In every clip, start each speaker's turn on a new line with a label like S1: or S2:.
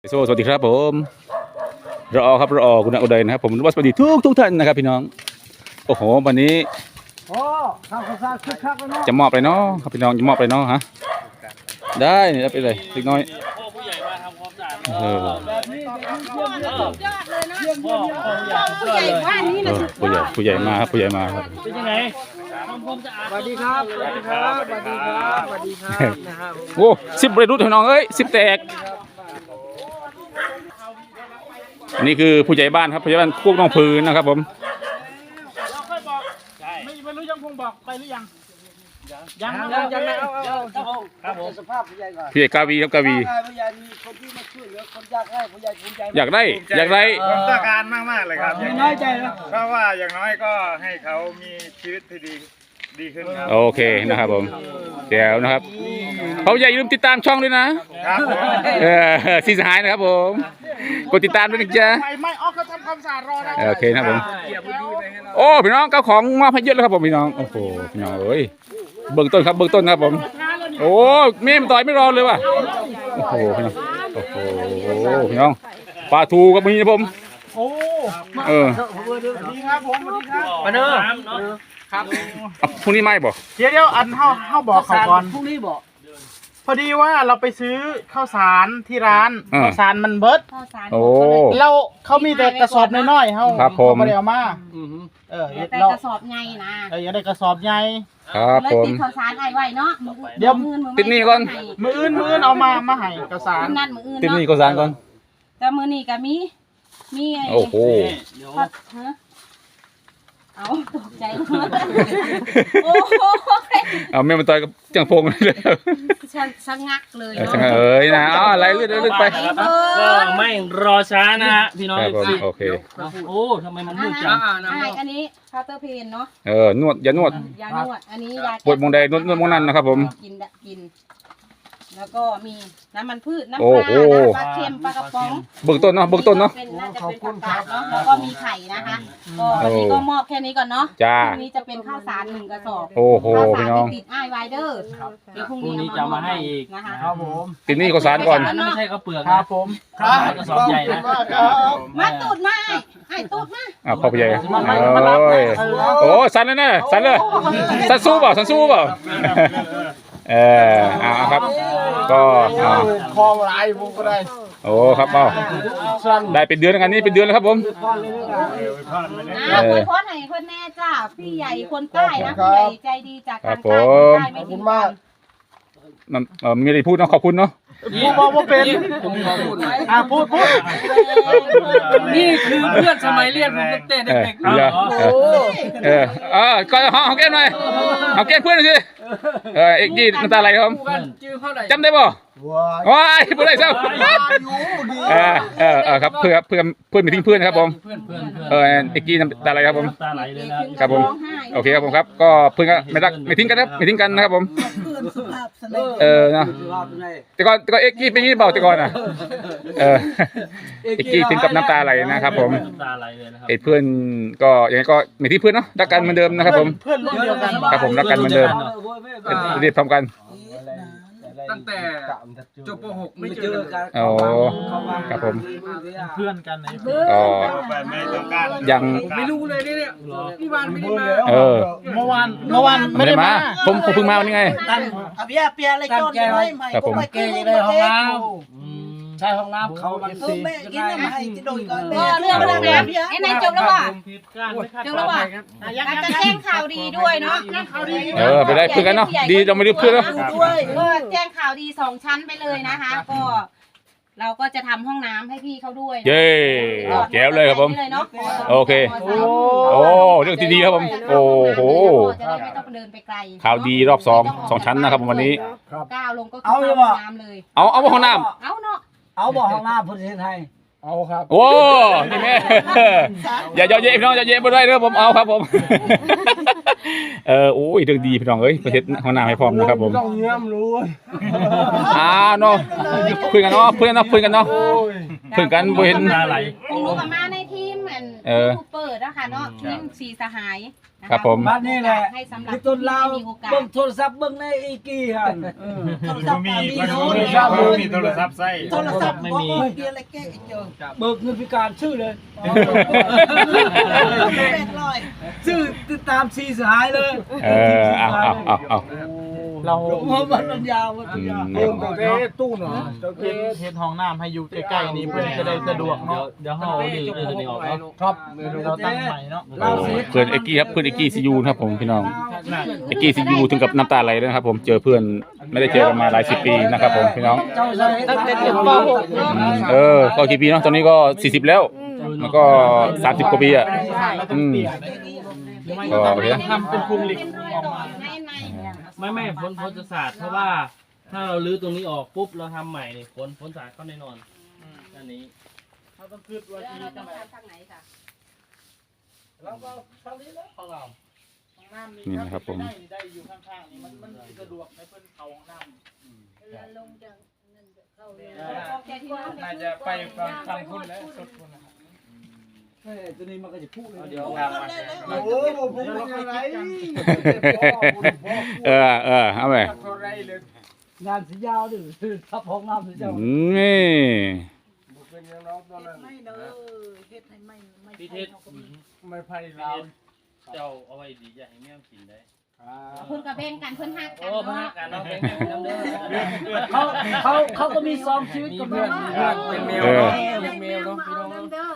S1: สวัสดีครับผมรอครับรอคุณอุดัยนะครับผมสวัสดีทุกท่านนะครับพี่น้องโอ้โหวันนี้จะมอบเลยเนาะครับพี่น้องจะมอบเลยเนาะฮะได้เนี่ยไปเลยเล็กน้อย
S2: ผู้ใหญ่มาทำความสะอาด
S1: เออผู้ใหญ่มาครับผู้ใหญ่มาครับ
S2: เป็นยังไงทำความสะอาด
S3: สวัสดีครับสวัสดีครับสวัสดีครับสวัสดีครับนะครับ
S1: โอ้10 บริรุษพี่น้องเอ้ย10 แตกอันนี้คือผู้ใหญ่บ้านครับผู้ใหญ่บ้านพวกน้องพื้นนะครับผม
S2: เราค่อยบอกไม่รู้ยังคงบอกไปหรือยัง
S3: ยังเอาครับผมสภาพผู้ใหญ่ก่อน
S1: ผู้ใหญ่กาวีครับกาวี
S3: ผู้ใหญ่มีคนที่มาช่วยเหลือคนยากไร้ผู้ใหญ่ภูมิใจ
S1: อยากได้
S4: ผมต้องการมากๆเลยครับ
S3: ไม่น้อยใจนะ
S4: เพราะว่าอย่างน้อยก็ให้เขามีชีวิตที่ดีขึ้นครับ
S1: โอเคนะครับผมเดี๋ยวนะครับเขาอย่าลืมติดตามช่องด้วยนะครับสีสหายนะครับผมกดติดตามด้วยนะจ๊ะ
S2: ไม่ออกเขาทำความสะอาดรอนะ
S1: โอเคนะครับผมโอ้พี่น้องเจ้าของมาพเยอะแล้วครับผมพี่น้องโอ้โหพี่น้องเอ้ยเบื้องต้นครับผมโอ้เมมต่อยไม่รอเลยว่ะโอ้โหพี่น้องโอ้โหพี่น้องปลาทูกับมีนะผม
S2: โอ้
S1: ส
S2: วัสดีครับผมสวัสดีครับ
S3: มาเนอะ
S2: ครับ
S1: พรุ่งนี้ไม่บอก
S2: เดี๋ยวอันเข้าบอกเขาก่อน
S3: พรุ่งนี้บอก
S2: พอดีว่าเราไปซื้อข้าวสารที่ร้านข้าวสารมันเบิด
S1: โอ้
S2: เราเขามีแต่กระสอบน้อยๆเขาไม่ได้เอามา
S5: แต่กระสอบใหญ่นะ
S2: อยากได้กระสอบใหญ่
S1: ครับผม
S5: ติดข้าวสารไว้เนาะ
S1: เดี๋ยวติดนี่ก่อน
S2: มืออื่นเอามาให้กระสาร
S5: นั่นมืออื่น
S1: ติดนี่กระสารก่อน
S5: แต่มือนี่ก็มี
S1: โอ้โห
S5: เอาตกใจโอ้โห
S1: เอาแม่มันต่อยกับจังพงเลย
S5: ชะงักเลย
S1: เอ้ยนะอะไรเลื่อนไป
S2: ก็ไม่รอช้านะฮะพี่น้อง
S1: โอเค
S2: โอ้ทำไมมันมืดจัง
S5: อันนี้คาเตอร์เพนเนาะ
S1: นวดอย่านวด
S5: อันนี้ยา
S1: ปวดมองใดนวดมองนั้นนะครับผม
S5: กินแล้วก็มีน้ำมันพืชน้ำปลาปลาเค็มปลากระป๋อง
S1: เบื้องต้นเนาะน่าจะเป็น
S5: ผักกาดเนาะแล้วก็มีไข่นะคะก็วันนี้ก็มอบแค่นี้ก่อนเนาะ
S1: จ้า
S5: พรุ่งนี้จะเป็นข้าวสาร1 กระสอบ
S1: โอ้โหพี่น้อง
S5: ติดอ้ายไวเดอร์
S2: เดี๋ยวพรุ่งนี้จะมาให้อีก
S5: นะคะ
S2: ครับผม
S1: ติดนี่ข้าวสารก่อน
S2: ไม่ใช่ข้าวเปลือกครับผมครับกระสอบใหญ่นะ
S5: มาตูดมาไอ้ตูดมา
S1: พ่อผู้ใหญ่โอ้สันเลยนะสันเลยสันสู้เปล่าครับก็
S2: คอลายมุกก็ได้
S1: โอ้ครับเปล่าได้เป็นเดือนงานนี้เป็นเดือนแล้วครับผม
S5: อวยพรให้คนแน่จ้าพี่ใหญ่คนใต้นะพี่ใหญ่ใจดีจากทางใต้ไม่ทิ้งกัน
S1: มีอะไรพูดเนาะขอบคุณเนาะ
S2: พูดว่าเป็นพูด
S3: นี่คือเพื่อนสมัยเรียนผมตั้งแต่เด็ก
S1: ก็เอาแก้มหน่อยเอาแก้มเพื่อนหน่อยสิเอ็กกี้น้ำตาไหลครับจำได้ป่ะว้ายเพื่อนอะไรเจ้าครับเพื่อนมีทิ้งเพื่อนนะครับผมเอ็กกี้น้ำตาไหลครับผมครับผมโอเคครับผมครับก็เพื่อนไม่ทิ้งกันครับไม่ทิ้งกันนะครับผมนะแต่ก็เอ็กกี้เป็นยี่เบาแต่ก่อนอ่ะเอ็กกี้ถึงกับน้ำตาไหลนะครับผมเพื่อนก็ยังไงก็ไม่ทิ้งเพื่อนเนาะรักกันเหมือนเดิมนะครับผม
S2: เพื่อนรุ่นเดียวกัน
S1: ครับผมรักกันเหมือนเดิมเรียบพร้อมกัน
S3: ตั้งแต่จบป .6 ไม่เจอกัน
S1: ครับผม
S2: เพื่อนกันไหน
S1: ยัง
S3: ไม่รู้เลยเนี่ยพี่วานไม่ได้มา
S2: เมื่อวานไม่ได้มา
S1: ผมเพิ่งมาวันนี้ไง
S3: เปียอะไรก้อนน้อยใหม่ก็ไม่เก่งในห้องน้ำใช่ห้องน้ำเขามันสิ
S5: แม่กินน้ำให้จะโดนก่อนเรื่องอะไรเนี่ยไอ้นายจบแล้วว่ะจะแจ้งข่าวดีด้วยเนาะ
S1: ไปได้เพื่อนกันเนาะดีเราไม่ได้เพื่อนแล้ว
S5: ก็แจ้งข่าวดี2 ชั้นไปเลยนะคะก็เราก็จะทำห้องน้ำให้พี่เขาด้วย
S1: เย้แก้วเลยครับผมโอเคโอ้เรื่องที่ดีครับผมโอ้โห
S5: จะได้ไม่ต้องเดินไปไกล
S1: ข่าวดีรอบ2 ชั้นนะครับวันนี้
S5: ก้าวลงก็คือห้องน้ำเลย
S1: เอาห้องน้ำ
S5: เอาเนาะ
S3: เอาบ่ห้องน้ำประเทศไทย
S2: เอาครับ
S1: โอ้นี่แม่อย่าเย็บพี่น้องอย่าเย็บไม่ได้เด้อผมเอาครับผมโอ้ยเรื่องดีพี่น้องเอ้ยประเทศห้องน้ำให้พร้อมนะครับผม
S2: ต้องเงี้ยมรู้
S1: เนาะเพื่อนกันเนาะเพื่อนกันบ่เห็น
S5: พวกหนูกับมาในทีมยูทูบเบอร์นะคะเนาะทีมสีสหายนะะ
S1: ครับผม
S3: บ้านนี่แหละ
S5: ให้สำหรับ
S3: ที่ต้นเรา
S5: ที่มีโอกาส
S3: เบิ่งโทรศัพท์เบิ่งในอีกี้ฮะ
S2: โทรศัพท์
S4: มี
S2: มี
S4: คน
S2: โน้
S4: มี
S2: ต
S4: มีโทรศัพท์ใส่
S2: โทรศัพท์ไม่มีเดียวอะไรแก้เจอ
S3: เบิกเงินพิการชื่อเลย ชื่อติดตามซีสหายเลย
S1: เอา
S2: เรา
S3: มันยาวมันยาว
S2: เพิ่มแต่ตู้เนาะเฮ็ดห้องน้ำให้อยู่ใกล้ๆนี้เพื่อจะได้สะดวกเนาะ
S6: เดี๋ยวเฮาดึงตัวนี้ออกเนาะ
S2: ครับเราตั้งใหม่เนาะ
S1: เพื่อนเอกกี้ครับเพื่อนเอกกี้ซียูครับผมพี่น้องเอกกี้ซียูถึงกับน้ำตาไหลเลยนะครับผมเจอเพื่อนไม่ได้เจอกันมาหลาย10 ปีนะครับผมพี่น้อง
S3: ตั้งแต่เด็กป .6
S1: ก็กี่ปีเนาะตอนนี้ก็40แล้วมันก็30กว่าปีอ่ะก็โอเค
S2: ทำเป็นพุงเหล็ก
S5: เป็นรอยต่อใน
S6: ไม่พ้นศาสตร์เพราะว่าถ้าเราลื้อตรงนี้ออกปุ๊บเราทำใหม่นี่พ้นศาสตร์เข้าแน่นอนอันนี้
S2: เราต้องคิดว่า
S5: แล้วเราต้องทำทางไหนค่ะ
S2: เราก็ทางนี้แล้วของเราห้องน้ำ
S1: นี่นะครับผม
S2: ได้อยู่ข้างๆนี่มันสะดวกให้เพิ่นเข้าห้องน้ำ น่าจะไปฟังคุณแล้วสุดคุณนะครับ
S3: ตัวนี้มันก็จะพูดเลย
S6: เดี๋ยว
S2: โอ้โหผมเป็นอะไร
S1: เอาไป
S3: งานสียาวดิทับห้องน้ำสียาว
S1: นี่
S2: ไม่เด้อเฮ็ดให้ไม่
S6: พี่เทศ
S2: ไม่ไพ่เรา
S6: เจ้าเอาไว้ดีอย่าให้แม่กินได้
S5: เพิ่นกับแบ่งกันเพิ่นหักกั
S6: โอ้
S5: น
S6: พนั
S5: เนาะ
S6: กงานเราเป็นน้ำเด้อ
S3: เขาก็มีซ้อมชีวิตกับเพื่อน
S2: เป็นแมว
S1: เออ
S2: เนาะเป็นแมวเนาะพี่น้อง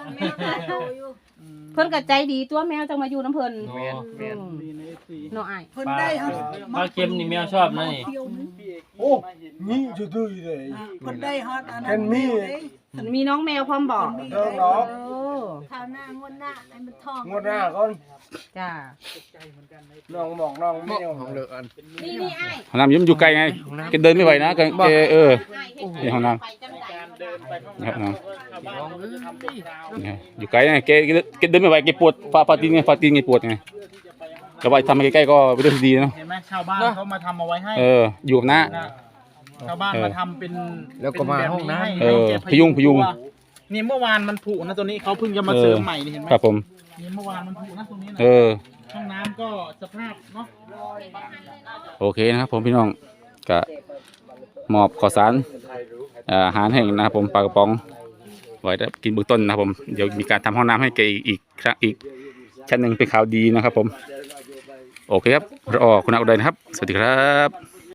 S5: เพิ่นก็ใจดีตัวแมวจังมาอยู่น้ำเพิ่นเนาะอ้าย
S2: เพิ่นได้ฮะ
S6: ปลาเค็มนี่แมวชอบนะนี่
S2: โอ้นี่จะดื้อเลยเพิ่นได้ฮอตอันนั้นมี
S5: เพิ่นมีน้องแมวพร้อมบอก
S2: เด้อเนาะ
S5: โอ้
S7: ข้าวหน้างวดหน้าไอ้มันทอง
S2: งวดหน้าก่อน
S5: จ้า
S2: น้องบอกน้องแมวของเด้ออัน
S5: นี่อ้าย
S1: ห้องน้ำยิ้มอยู่ไกลไงแกเดินไม่ไหวนะแก
S5: อ้ายเฮ็ด
S1: นี่ห้องน้ำ
S5: ไปจังได๋
S2: เดินไปข้าง
S1: นะครับ
S2: หน้า
S1: น้อง
S2: ชาวบ้านก็จะทำเป็นคราว
S1: เนี่ยอยู่ไกลไงแกเดินไม่ไหวแกปวดฟาตีนไงแกปวดไงแต่ว่าทำมาใกล้ๆก็เป็นเรื่องที่ดีเนาะ
S2: เห็นไหมชาวบ้านเขามาทำเอาไว้ให้
S1: อยู่กับน้า
S2: ชาวบ้านมาทำเป็น
S3: แล้วก็มาห้องน้ำ
S1: พยุง
S2: นี่เมื่อวานมันผุนะตัวนี้เขาเพิ่งจะมาเสริมใหม่นี่เห็นไหม
S1: ครับผม
S2: นี่เมื่อวานมันผุนะตรงนี้นะ ห้องน้ำก็สภาพเนาะ
S1: โอเคนะครับผมพี่น้องก็มอบข้าวสารอาหารแห้งนะครับผมปลากระป๋องไว้ได้กินเบื้องต้นนะครับผมเดี๋ยวมีการทำห้องน้ำให้แกอีกชั้นหนึ่งเป็นข่าวดีนะครับผมโอเคครับรอคุณอาอุดัยนะครับสวัสดีครับ